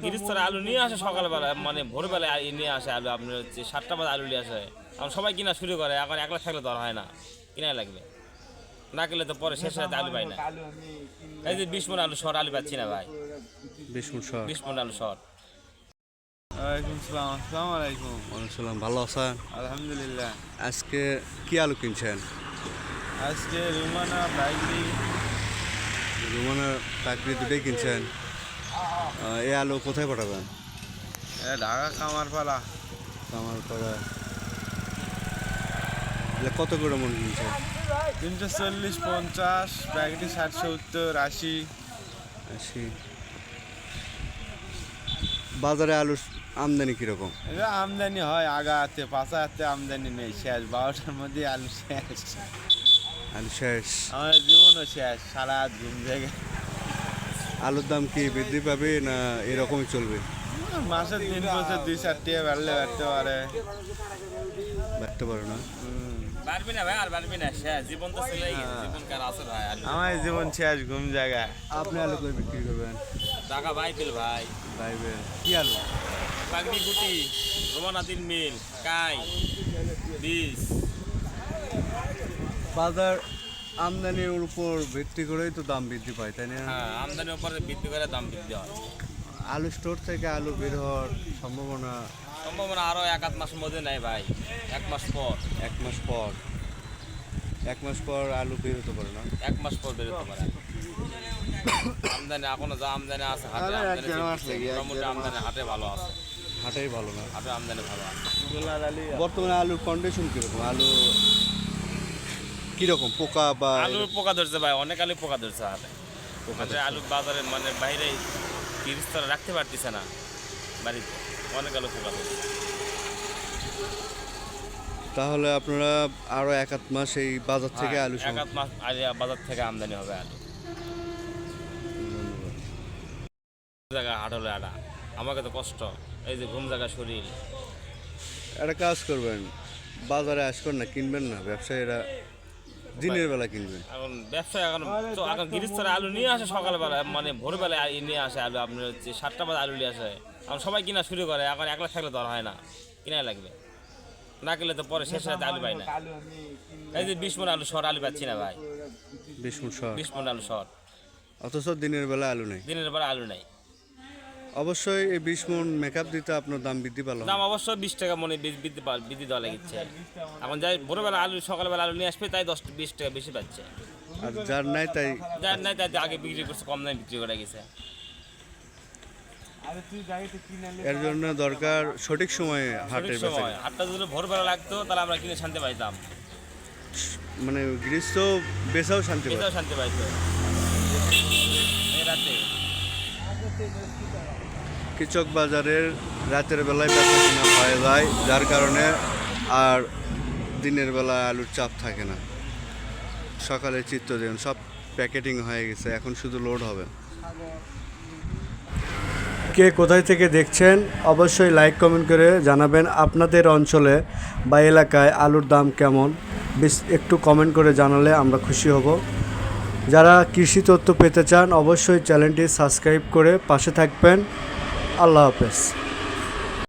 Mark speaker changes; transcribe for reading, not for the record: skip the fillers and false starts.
Speaker 1: গিরিস্তরে আলু নিয়ে আসে সকালবেলা, মানে ভোরবেলায় নিয়ে আসে আলু, আপনার হচ্ছে 7টা বাজে আলু নিয়ে আসে। এখন সবাই কিনা শুরু করে, এখন 1 লাখ থাকলে তো আর হয় না, কিনাই লাগবে, না কিনলে তো পরে শেষ রাতে আলু পাই না। এই যে 20 মণ আলু শর্ট আলু পাচ্ছি না ভাই, 20 মণ আলু শর্ট।
Speaker 2: ওয়ালাইকুম সালাম, আসসালামু আলাইকুম।
Speaker 3: ওয়ালাইকুম, ভালো আছেন?
Speaker 2: আলহামদুলিল্লাহ।
Speaker 3: আজকে কি আলু কিনছেন?
Speaker 2: আজকে রুমানা বাইকরি
Speaker 3: রুমানা টাকরি দুটোই কিনছেন। এই আলু কোথায় পাঠাবেন?
Speaker 2: ঢাকা কামারপাড়া।
Speaker 3: আমার পরে কত করে মন কিনছেন?
Speaker 2: 340, 50, বাইকরি 60, 70, 80।
Speaker 3: 80। বাজারে আলুর আমদানি কীরকম?
Speaker 2: এটা আমদানি হয় আগাতে, পাঁচাতে আমদানি নেই, শেষ 12টার মধ্যে আলু শেষ।
Speaker 3: আলু শেষ।
Speaker 2: আমাদের জীবনও শেষ, সারা রাত ঘুম থেকে।
Speaker 3: আলুর দাম কি বৃদ্ধি পাবে না এরকমই চলবে?
Speaker 2: মাসের 3 বছর 2-4 টাকা বাড়লে বাড়তে পারে।
Speaker 3: বাড়তে পারে না?
Speaker 1: পারবি না ভাই, আর পারবি না, শেষ জীবন তো চলেই গেছে, জীবন কার আছে ভাই? আলু
Speaker 2: আমার জীবন শেষ, ঘুম জায়গায়।
Speaker 3: আপনি আলু করে বিক্রি করবেন?
Speaker 1: টাকা বাইবেল ভাই,
Speaker 3: বাইবেল কি আলু?
Speaker 1: পাগড়ি গুটি, রোমানা 3 মিল, কাই 20।
Speaker 3: বাজার আমদানির উপর ভিত্তি করেই তো দাম বৃদ্ধি পায়, তাই না?
Speaker 1: হ্যাঁ, আমদানির উপরে ভিত্তি করে দাম বৃদ্ধি হয়।
Speaker 3: আলু স্টোর থেকে আলু বের হওয়ার সম্ভাবনা
Speaker 1: সম্ভাবনা আরো 1-8 মাসের মধ্যে নাই ভাই, 1 মাস পর।
Speaker 3: 1 মাস পর। 1 মাস পর আলু বের হতে পারে না?
Speaker 1: 1 মাস পর বেরোতে পারে। আমদানি এখনো যা আমদানি আছে হাটে, আমদানি মোটামুটি আমদানি হাটে ভালো আছে,
Speaker 3: হাটেই ভালো না।
Speaker 1: হাটে আমদানি ভালো আছে।
Speaker 3: বর্তমানে আলুর কন্ডিশন কিরকম? আলু কিরকম পোকা বা
Speaker 1: আলুর পোকা ধরছে ভাই, অনেক আলু পোকা ধরছে হাটে। মানে আলু বাজারে মানে বাইরে 30 স্তরে রাখতে পারতেছে না বাড়িতে, অনেক আলু পোকা ধরছে।
Speaker 3: তাহলে আপনারা আরো 1-8 মাস এই বাজার থেকে আলু
Speaker 1: 1-8 মাস আগে বাজার থেকে আমদানি হবে আলু। জায়গা হাট হলো এটা, আমাকে তো কষ্ট, এই যে ঘুম জায়গা শরীর।
Speaker 3: একটা কাজ করবেন, বাজারে আসবেন না, কিনবেন না, ব্যবসায়ীরা দিনের বেলা কিনবেন।
Speaker 1: এখন ব্যবসায় এখন গিরিস্তরে আলু নিয়ে আসে সকালবেলা, মানে ভোরবেলায় নিয়ে আসে আলু, আপনার হচ্ছে 7টা বাজে আলু নিয়ে আসে। এখন সবাই কিনা শুরু করে, এখন 1 লাখ থাকলে তো আর হয় না, কিনাই লাগবে, না কিনলে তো পরে শেষ রাতে আলু পাই না। এই যে 20 মণ আলু শর্ট আলু পাচ্ছি না ভাই, 20 মণ আলু শর্ট।
Speaker 3: অথচ দিনের বেলা আলু নেই।
Speaker 1: দিনের পরে আলু নাই।
Speaker 3: অবশ্যই এই 20 মণ মেকআপ দিতে আপনার দাম বৃদ্ধি পেল।
Speaker 1: দাম অবশ্যই 20 টাকা মনে বৃদ্ধি দেওয়া লাগিচ্ছে। এখন যাই ভোরবেলা আলু, সকালবেলা আলু নিয়ে আসবে, তাই 10-20 টাকা বেশি পাচ্ছে।
Speaker 3: আর যার নাই তাই
Speaker 1: যার নাই তাই আগে বিক্রি করছে, কম দামে বিক্রি করে গেছে।
Speaker 3: এর জন্য দরকার সঠিক সময়ে হাটের
Speaker 1: সঠিক সময় হাটটা যদি ভোরবেলা লাগতো, তাহলে আমরা কিনে শান্তি পাইতাম,
Speaker 3: মানে গ্রীষ্ম বেচাও শান্তি পায়।
Speaker 1: এটাও শান্তি পাইতো। এই রাতে
Speaker 3: কৃষক বাজারের রাতের বেলায় বেচা কিনা হয়ে যায়, যার কারণে আর দিনের বেলা আলুর চাপ থাকে না। সকালে চিত্র দেন সব প্যাকেটিং হয়ে গেছে, এখন শুধু লোড হবে। কে কোথায় থেকে দেখছেন অবশ্যই লাইক কমেন্ট করে জানাবেন। আপনাদের অঞ্চলে বা এলাকায় আলুর দাম কেমন একটু কমেন্ট করে জানালে আমরা খুশি হব। যারা কৃষি তথ্য পেতে চান অবশ্যই চ্যানেলটি সাবস্ক্রাইব করে পাশে থাকবেন। আল্লাহ হাফেজ।